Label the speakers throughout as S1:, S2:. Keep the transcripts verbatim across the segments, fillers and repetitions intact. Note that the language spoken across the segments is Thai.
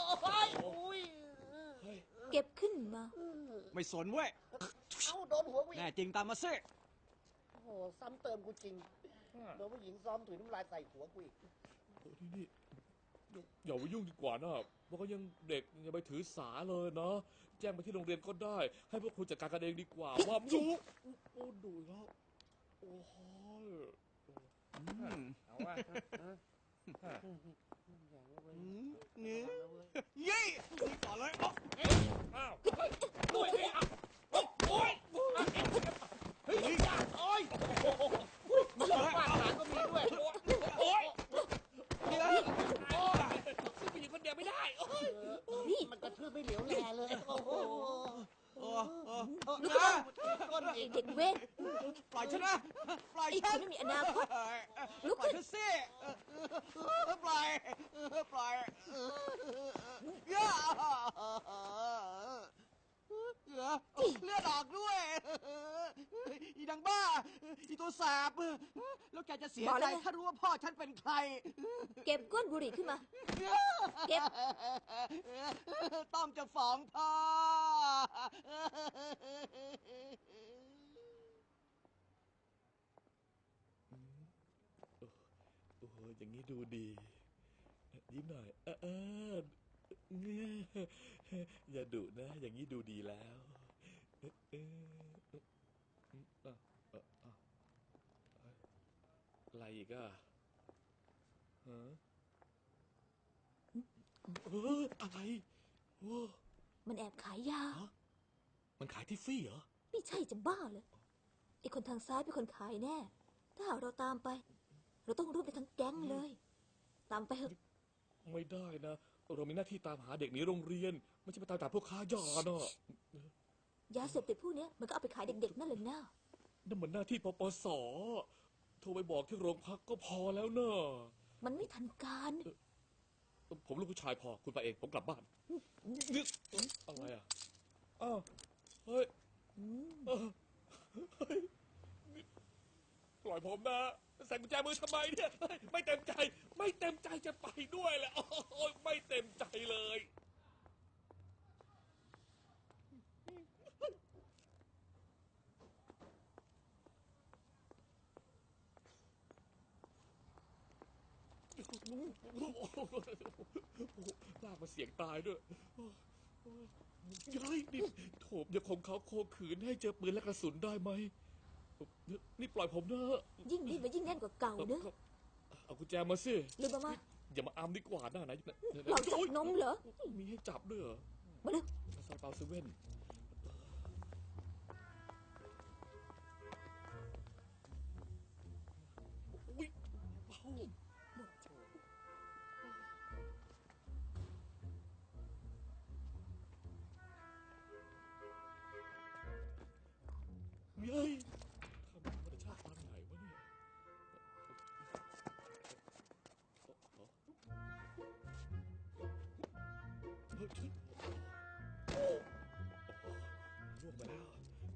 S1: อุ้ย
S2: เก็บขึ้นมา
S3: ไม่สนเว้ย
S1: เอ้าโดนหัวกู
S3: แน่จริงตามมาซิ
S1: โอ้โหซ้ำเติมกูจริงโดนผู้หญิงซ้อมถุยน้ำลายใส่หัวกูอีก
S4: นี่นี่อย่าไปยุ่งดีกว่านะเพราะก็ยังเด็กอย่าไปถือสาเลยนะแจ้งไปที่โรงเรียนก็ได้ให้พวกคุณจัดการกันเองดีกว่าว่าดูโอ้ดูแล้วโอ้โห
S3: เอาว่านี่ยี่ต่อเลย
S4: อ้าวด้วยนี่อ่ะโอ้ย
S1: เฮ้ยโอ้ยมึงฟาดหางก็มีด้วย
S4: โอ้ย
S3: เดี๋ยว
S4: โอ้ยซึ่งผู้หญิงคนเดียวไม่ได้โอ้
S1: ยมันกระทืบไม่เหลียวแลเลยโอ้โห
S3: โอ้โอ้
S2: ลูกก้นเด็กเว้น
S3: ปล่อยฉันนะปล่อยฉัน
S2: ไม่มีอนาคต
S3: ลุกขึ้นสิปล่อยปล่อยย่าเลือดออกด้วยอีดังบ้าอีตัวแสบแล้วแกจะเสียใจถ้ารู้ว่าพ่อฉันเป็นใคร
S2: เก็บก้นบุหรี่ขึ้นมาเก็บ
S3: ต้องจะฟ้องพ่อ
S4: โอ้โหอย่างนี้ดูดียิ้มหน่อยเอออย่าดุนะอย่างนี้ดูดีแล้วเอออะไรอีกอ่ะฮะเอออะไรโอ้
S2: มันแอบขายยา
S4: มันขายที่ฟรีเหรอ
S2: ไม่ใช่จะบ้าเลยไอ้คนทางซ้ายเป็นคนขายแน่ถ้าหากเราตามไปเราต้องรูปไปทั้งแก๊งเลยตามไปเถอะ
S4: ไม่ได้นะเรามีหน้าที่ตามหาเด็กหนีโรงเรียนไม่ใช่ไปตามจับพวกค้ายาเนาะ
S2: ยาเสพติดพวกนี้มันก็เอาไปขายเด็กๆนั่นแหละนะ
S4: นั่นมันหน้าที่ปปส.โทรไปบอกที่โรงพักก็พอแล้วเนอะ
S2: มันไม่ทันการ
S4: ผมลูกผู้ชายพอคุณไปเองผมกลับบ้านนี่อะไรอ่ะอ้าวเฮ้ยเฮ้ยปล่อยผมนะใส่กุญแจมือทำไมเนี่ยไม่เต็มใจไม่เต็มใจจะไปด้วยแหละโอ้ยไม่เต็มใจเลยลากมาเสียงตายด้วยย้ายนี่โถมอย่าข่มเขาโคขืนให้เจอปืนและกระสุนได้ไหมนี่ปล่อยผมนะ
S2: ยิ่งรีบไปยิ่งแน่นกว่าเก่าเนอะ
S4: เอากุญแจมาสิ
S2: ลืมมามา
S4: อย่ามาอามดีกว่านะไหน
S2: เราจับนมเหรอ
S4: มีให้จับด้วยเหรอ
S2: มาเลย
S4: ซาเปาเซเว่นอุ้ยเบาเย้ยทำธรรมชาติปานไหนวะเนี่ยเฮ้ยโอ้ล่วงไปแล้ว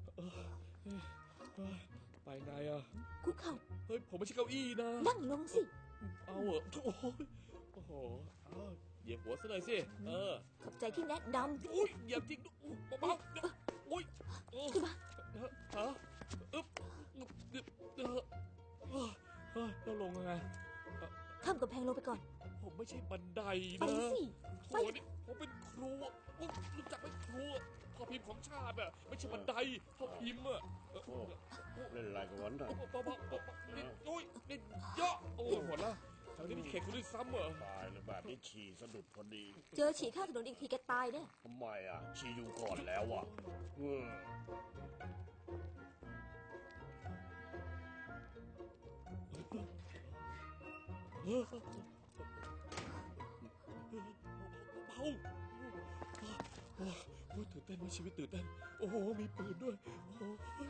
S4: ไปไงอ่ะ
S2: คุกเข่า
S4: เฮ้ยผมไม่ใช่เก้าอี้นะ
S2: นั่งลงสิ
S4: เอาเหรอโอ้โหโอ้โหเอาเหยียบหัวซะเลยสิเออ
S2: ขอบใจที่แนะนำ
S4: อุ้ยเหยียบจริงอุ้ยเบาๆอุ้ย
S2: ขึ้นมา
S4: ฮะอึ๊บเออเออเราลงยังไง
S2: ข้ามกำแพงลงไปก่อน
S4: ผมไม่ใช่บันไดนะ
S2: ไปสิ
S4: ไปนี่ผมเป็นครูรู้จักไหมครูพ่อพิมพ์ของชาติอ่ะไม่ใช่บันไดพ่อพิมพ์อ่ะ
S5: เล่นอะไรกันวันนั้น
S4: นี่โอ้ยนี่เยอะโอ้หมดละแถวนี้มีเขตคุณด้วยซ้ำเหรอ
S5: ตายเลยแบบนี้ฉี่สะดุดพอดี
S2: เจอฉี่ข้างถนนอีกทีแกตายเนี่ย
S5: ทำไมอ่ะฉี่อยู่ก่อนแล้วอ่ะ
S4: เบาโอ้ตื่นเต้นมีชีวิตตื่นเต้นโอ้โหมีปืนด้วยโอ้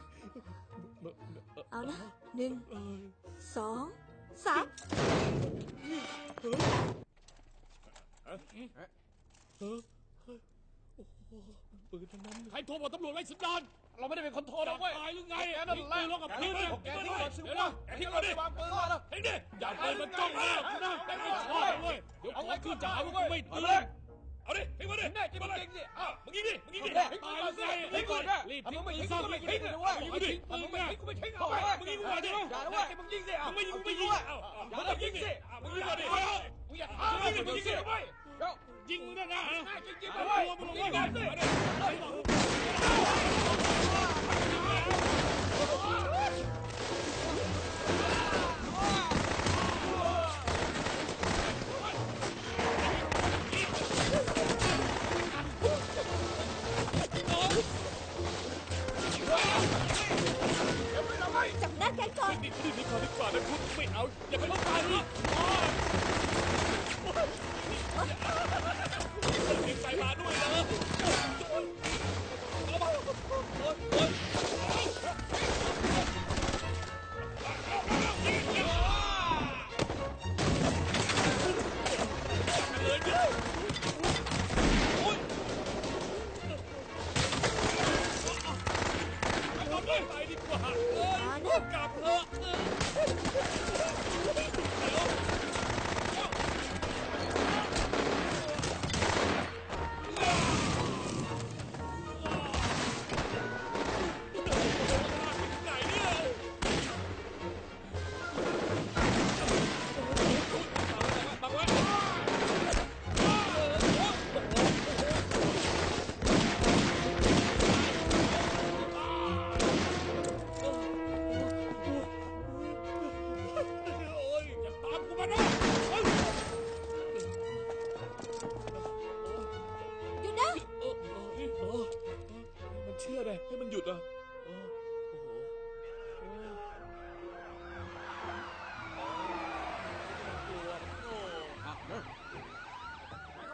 S2: เอานะหนึ่งสองสาม
S4: เฮ้ยเฮ้ยโอ้โหปืนทั้งนั้นใครโทรบอกตำรวจไล่สัญญาณเราไม่ได้เป็นคนโทรนะเว้ยตายหรือไงแกนั่นแหละแกกับพี่เนี่ยแกที่ก่อนสิวะแกที่ก่อนดิวางปืนมาแล้วเฮ้ยดิอย่าปืนมันจ้องนะนะแกไม่ชอบเลยเดี๋ยวเอาไว้ขึ้นจะหาว่ากูไม่เตือนเอาดิมาเลย
S1: ยิงสิ
S4: อ้าวมึงยิงดิมึงยิงดิ
S1: เอา
S4: ให้
S1: ไป
S4: ตาย
S1: สิ
S4: เลย
S1: ให้ก่อนนะ
S4: รีบ
S1: ถ้า
S4: ทิ้
S1: มึ
S4: ง
S1: งไม่
S4: ปืน
S1: ทิ้ง
S4: ซะ
S1: กูก็ไม่ทิ้งนะเว้ย
S4: มึงยิงดิ
S1: ถ้ามึงไม่ทิ้งกูไม่ทิ้ง
S4: เอา
S1: เอา
S4: ไป
S1: ไป
S4: มึงยิงหัวดิ
S1: อย่านะเว้ยมึงยิงสิเอา
S4: มึงไม่ยิง
S1: เอา
S4: ไม่
S1: จริ
S4: ยิ
S1: ง
S4: ง
S1: ด้วย
S4: เอาเอา
S1: อย่า
S4: มึง
S1: นะ
S4: ยิ
S1: ยิ
S4: ง
S1: ง
S4: ดิ
S1: สิ
S4: อ่ะมึงยิงก่อนดิ
S1: มึงอย่าทำมึงอย่ายิงสิเว้ยเดี๋ยว
S4: ยิงนะนะ
S1: จริงจริงเลยมึงยิงก่อนสิ
S2: จับหน้าแกก่อน
S4: นี่นี่นี่ก่อนดีกว่านะคุณไม่เอาอย่าไปลบตายนะเก็บใส่มาด้วยนะเลยเยอะโอ้ยเอาไปไปดีกว่าเอ้ยกลับเถอะไหนเนี่ยบังไว้โอ้ยอย่าตามกูมานะเอ้ย
S2: หยุดนะ
S4: เออเออเออเออมันเชื่อเลยให้มันหยุดอ่ะเออโอ้โหโอ้ยกลัวโอ้
S3: อ่ะเร็ว
S1: ไป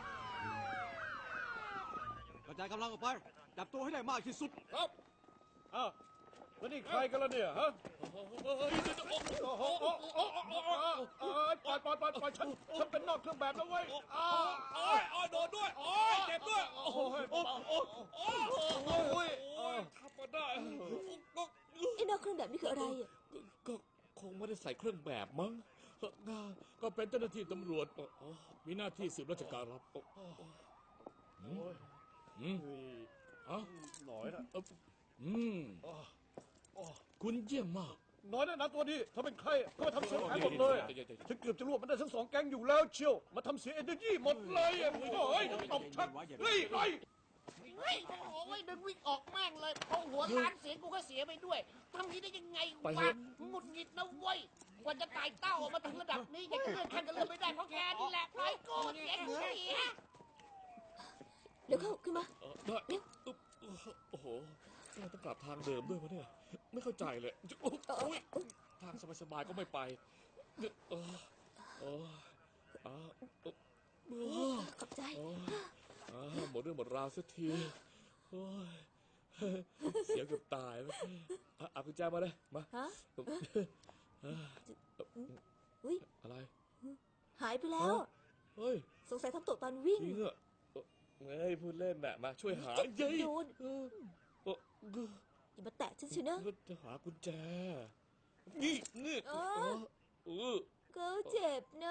S3: กระจายกำลังออกไป จับตัวให้ได้มากที่สุด
S1: ครับ
S5: อ้าวแล้วนี่ใครกันล่ะเนี่ยฮะ
S4: เฮ้ยเดี๋ยวๆโอ้โห
S5: โอ้โอ้โอ้โอ้โอ้โอ้เอ้ยปล่อยปล่อยปล่อยปล่อยฉันฉันเป็นนอกเครื่องแบบแล้วเว้ยอ้า
S4: โอ้ยโอ้ยโดนด้วย โอ้ยเจ็บด้วย โอ้โหโอ้โหโอ้โหโอ้โหโอ้ยทำมาได้
S2: ไอ้นอกเครื่องแบบนี่คืออะไรอ่ะ
S4: ก็คงไม่ได้ใส่เครื่องแบบมั้งก็เป็นเจ้าหน้าที่ตำรวจมีหน้าที่สืบราชการรับอืมอืม
S5: เฮ้ย
S4: เอ้า
S5: หน่อยนะ
S4: อืมคุณเยี่ยมมาก
S5: หน่อยนะนะตัวนี้ถ้าเป็นใครก็มาทำเสียหายหมดเลยฉันเกือบจะรวบมันได้ทั้งสองแก๊งอยู่แล้วเชียวมาทำเสียเอเนอร์จีหมดเลยอ่ะโอ้ยตบชักเฮ้ยไล่
S1: เฮ้ยโอ้ยดึงวิ่งออกแม่งเลยพอหัวทานเสียงกูก็เสียไปด้วยทำทีได้ยังไงวะหงุดหงิดนะเว้ยกว่าจะตายเต้าออกมาถึงระดับนี้ยังเลื่อนขั้นก็เลื่อนไม่ได้เพราะแกนี่แหละปล่อยกูเสียเสีย
S2: เดี๋ยวเข้าขึ้นมา
S4: เออได้อึ๊บโอ้โหเราต้องกลับทางเดิมด้วยวะเนี่ย ไม่เข้าใจเลยโอ้ยทางสบายๆก็ไม่ไปเออเออเออเออ
S2: ขอบใจ
S4: เออเออหมดเรื่องหมดราวสักทีโอ้ยเสียเกือบตายเมื่อกี้เอากุญแจมาเลยมา
S2: ฮะ
S4: เออ
S2: อุ้ย
S4: อะไร
S2: หายไปแล้ว
S4: เฮ้ย
S2: สงสัยทำตกตอนวิ่ง
S4: จริงอะเฮ้ยพูดเล่นน่ะมาช่วยหาเย้ย
S2: โดน
S4: เออเออ
S2: อย่ามาแตะฉันเชียวนะ
S4: ก็จะหากุญแจ นี่นี่
S2: เอ
S4: เอ
S2: อ
S4: อเออ
S2: ก็เจ็บนะ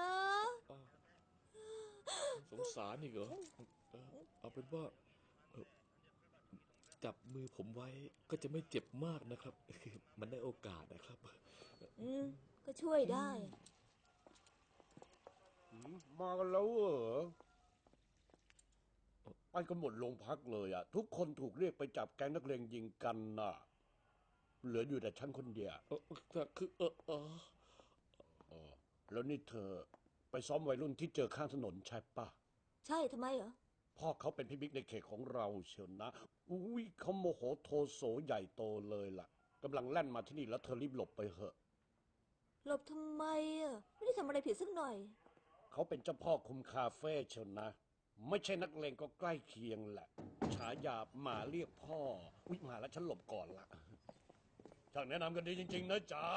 S4: สงสารนี่เหรอเออเอาเป็นว่าเออจับมือผมไว้ก็จะไม่เจ็บมากนะครับ มันได้โอกาสนะครับ
S2: อืม ก็ช่วยได้
S5: มากันแล้วเหรอไปกันหมดโรงพักเลยอ่ะทุกคนถูกเรียกไปจับแก๊งนักเลงยิงกันน่ะเหลืออยู่แต่ฉันคนเดียว
S4: เออแต่คือเออเออ
S5: อ๋อแล้วนี่เธอไปซ้อมวัยรุ่นที่เจอข้างถนนใช่ปะ
S2: ใช่ทำไมเหรอ
S5: พ่อเขาเป็นพี่บิ๊กในเขตของเราเชียวนะอุ้ยเขาโมโหโทโสใหญ่โตเลยล่ะกำลังแล่นมาที่นี่แล้วเธอรีบหลบไปเหอะ
S2: หลบทำไมอ่ะ ไม่ได้ทำอะไรผิดสักหน่อย
S5: เขาเป็นเจ้าพ่อคุมคาเฟ่เชียวนะ ไม่ใช่นักเลงก็ใกล้เคียงแหละฉายาหมาเรียกพ่ออุ้ยมาแล้วฉันหลบก่อนละช่างแนะนำกันดีจริงๆนะจ๊ะ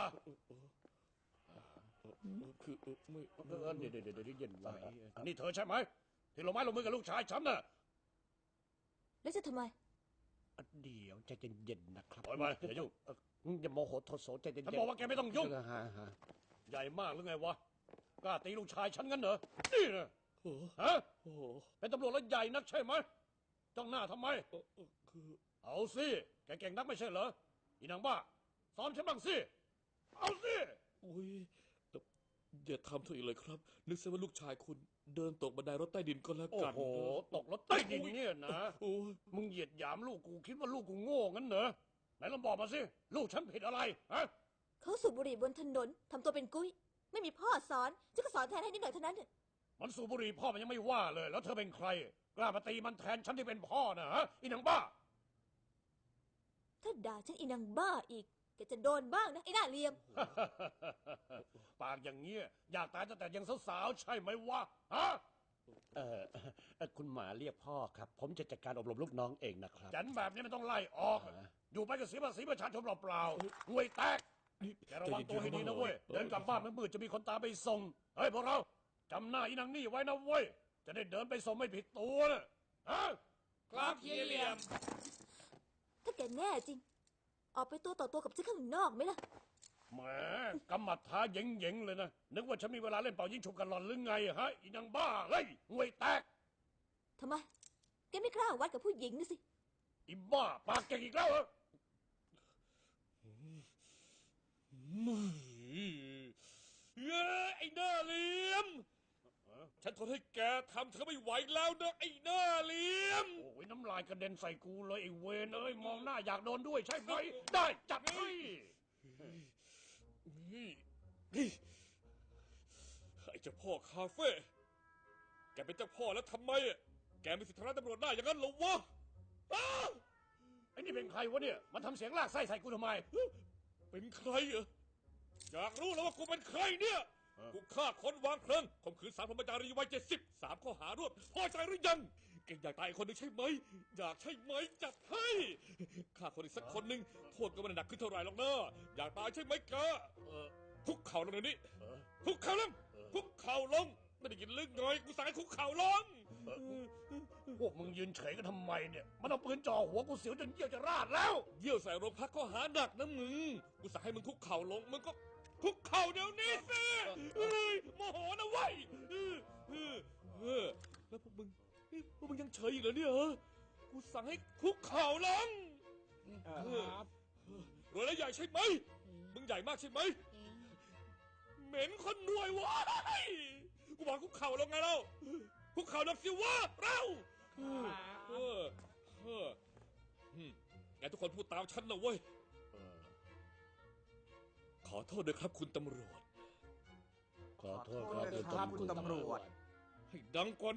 S4: คือเออไม่
S5: เออเดี๋ยวเดี๋ยวเดี๋ยวเย็นไว้นี่เธอใช่ไหมที่ลงไม้ลงมือกับลูกชายฉันน่ะ
S2: แล้วจะทำไม
S5: เดี๋ยวใจเย็นๆนะครับปล่อยไปอย่ายุ่งอย่าโมโหโทโสใจเย็นๆฉันบอกว่าแกไม่ต้องยุ่งใหญ่มากหรือไงวะกล้าตีลูกชายฉันงั้นเหรอนี่นะ
S4: โอ้
S5: ฮะ
S4: โอ้
S5: เป็นตำรวจแล้วใหญ่นักใช่ไหมจ้องหน้าทำไม
S4: เอ่อเอ่อคือ
S5: เอาสิ แกเก่งนักไม่ใช่เหรอ อีนางบ้า ซ้อมฉันบ้างสิ เอาสิ
S4: อุ้ยแต่อย่าทำเถอะอีกเลยครับ นึกซะว่าลูกชายคุณเดินตกบันไดรถใต้ดินก็แล้ว
S5: โอ้
S4: กัน
S5: โห
S4: นะ
S5: ตกรถใต้ดินเนี่ยนะ
S4: โอ้ย
S5: มึงเหยียดหยามลูกกูคิดว่าลูกกูโง่งั้นเหรอ ไหนลองบอกมาสิ ลูกฉันผิดอะไร ฮะ
S2: เขาสูบบุหรี่บนถนนทำตัวเป็นกุ้ย ไม่มีพ่อสอนจะก็สอนแทนให้นิดหน่อยเท่านั้นเถอะ
S5: มันสูบบุหรี่พ่อมันยังไม่ว่าเลย แล้วเธอเป็นใคร กล้ามาตีมันแทนฉันที่เป็นพ่อนะฮะ อีนางบ้า
S2: ถ้าด่าฉันอีนางบ้าอีกแกจะโดนบ้างนะไอ้หน้าเหลี่ยม
S5: ปากอย่างเงี้ยอยากตายตั้งแต่ยังสาวๆใช่ไหมวะ ฮะ เออเอ่อคุณหมาเรียกพ่อครับ ผมจะจัดการอบรมลูกน้องเองนะครับ จันแบบนี้ไม่ต้องไล่ออก อยู่ไปก็เสียภาษีประชาชนเปล่าๆงวยแตก
S4: นี่
S5: แกระวังตัวให้ดีนะเว้ย เดินกลับบ้านมืดๆจะมีคนตามไปส่ง เฮ้ยพวกเราจำหน้าอีนางนี่ไว้นะเว้ย จะได้เดินไปส่งไม่ผิดตัวนะฮะ
S4: ครับเฮียเหลี่ยม
S2: ถ้าแกแน่จริง ออกไปตัวต่อตัวกับฉันข้างนอกไหมล่ะ
S5: แหมกำมัดท้าเหย่งๆเลยนะ นึกว่าฉันมีเวลาเล่นเป่ายิงฉุบกันหลอนหรือไงฮะ อีนางบ้าเฮ้ยงวยแตก
S2: ทำไม แกไม่กล้าวัดกับผู้หญิงนะสิ
S5: อีบ้าปากเก่งอีกแล้วเหรอ
S4: เอ้ยไอ้หน้าเหลี่ยม ฉันทนให้แกทำเธอไม่ไหวแล้วนะไอ้หน้าเหลี่ยม
S5: โอ้ยน้ำลายกระเด็นใส่กูเลยไอ้เวนเอ้ยมองหน้าอยากโดนด้วยใช่ไหม ได้จัดให้
S4: นี่นี่ไอ้เจ้าพ่อคาเฟ่แกเป็นเจ้าพ่อแล้วทำไมอะแกมีสิทธิ์ทำร้ายตำรวจได้อย่างนั้นเหรอวะอ้าว
S5: ไอ้นี่เป็นใครวะเนี่ยมันทำเสียงลากไส้ใส่กูทำไม
S4: เป็นใครเหรออยากรู้แล้วว่ากูเป็นใครเนี่ย
S5: เออ
S4: กูฆ่าคนวางเพลิงข่มขืนสาวพรหมจารีวัยเจ็ดสิบสามข้อหารวดพอใจหรือยังแกอยากตายอีกคนหนึ่งใช่ไหมอยากใช่ไหมจัดให้ฆ่าคนอีกสักคนหนึ่งโทษก็ไม่ได้หนักขึ้นเท่าไหร่หรอกนะอยากตายใช่ไหมแก
S5: เออ
S4: คุกเข่าลงเดี๋ยวนี้
S5: เออ
S4: คุกเข่าลงคุกเข่าลงไม่ได้ยินลึกหน่อยกูสั่งให้คุกเข่าลง
S5: พวกมึงยืนเฉยกันทำไมเนี่ยมันเอาปืนจ่อหัวกูเสียวจนเยี่ยวจะราดแล้ว
S4: เยี่ยวใส่โรงพักข้อหาหนักนะมึงกูสั่งให้มึงคุกเข่าลงมึงก็คุกเข่าเดี๋ยวนี้สิเฮ้ยโมโหนะเว้ยเออเออเออแล้วพวกมึงนี่พวกมึงยังเฉยอีกเหรอเนี่ยเหรอกูสั่งให้คุกเข่าลงเออรวยแล้วใหญ่ใช่ไหมมึงใหญ่มากใช่ไหมเหม็นคนรวยวะกูบอกคุกเข่าลงไงเราคุกเข่าลงสิวะเราเออเออเอออืมงั้นทุกคนพูดตามฉันนะเว้ย ขอโทษด้วยครับคุณตำรวจ
S5: ขอโทษ
S3: ขอโทษด้วยครับคุณตำรวจ
S4: ให้ดังกว่า